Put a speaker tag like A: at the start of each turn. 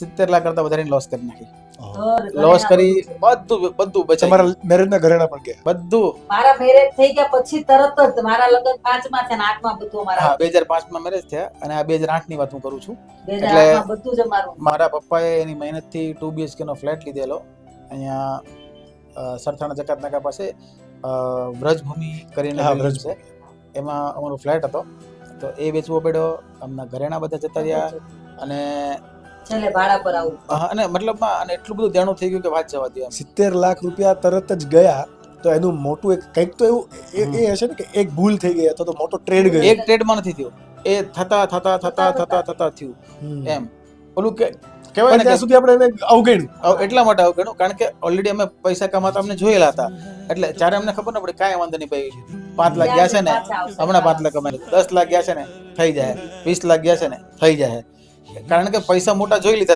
A: 70 લાખ કરતા વધારે લોસ કરી નાખી.
B: ઘર
A: લોસ
B: ઘરેણા
A: કરી બધું બચાવી
C: તમારા મેરેજના ઘરેણા પણ ગયા.
A: બધું.
B: મારા મેરેજ થઈ ગયા પછી તરત જ મારા લગ્ન 5 માં છે ને 8 માં બધું અમારા
A: હા 2005 માં મેરેજ થયા અને આ 2008 ની વાત હું કરું છું.
B: 2008 માં બધું જ અમારું.
A: મારા પપ્પાએ એની મહેનતથી 2 BHK નો ફ્લેટ લીધેલો અહીંયા સરથાણા જકાત નાકા પાસે વ્રજભૂમિ કરીને
C: હા,
A: building છે. એમાં અમારો ફ્લેટ હતો તો એ વેચવો પડ્યો. અમના ઘરેણા બધા જતા રહ્યા અને
B: છેલ્લે ભાડા પર આવું.
A: અને મતલબમાં અને એટલું બધું દેણું થઈ ગયું કે વાત જવા દો એમ.
C: 70 લાખ રૂપિયા તરત જ ગયા તો એનું મોટું એક કંઈક તો એવું એ હશે ને કે એક ભૂલ થઈ ગઈ અથવા તો મોટો ટ્રેડ ગયો.
A: એક ટ્રેડમાં નથી થયું, એ થતા થયું એમ. ઓલું કે કહેવાય
C: પણ
A: ને
C: ત્યાં
A: કે
C: સુધી આપણે એને અવગણ્યું.
A: એટલા માટે આવું ગણું કારણ કે ઓલરેડી અમે પૈસા કમાતા અમને જોયેલા હતા એટલે જ્યારે અમને ખબર ન પડી કાંઈ વાંધો નહીં ભાઈ 5 લાખ ગયા છે ને હમણાં 5 લાખ કમાય, 10 લાખ ગયા છે ને થઈ જાય, 20 લાખ ગયા છે ને થઈ જાય, કારણ કે પૈસા મોટા જોઈ લીધા.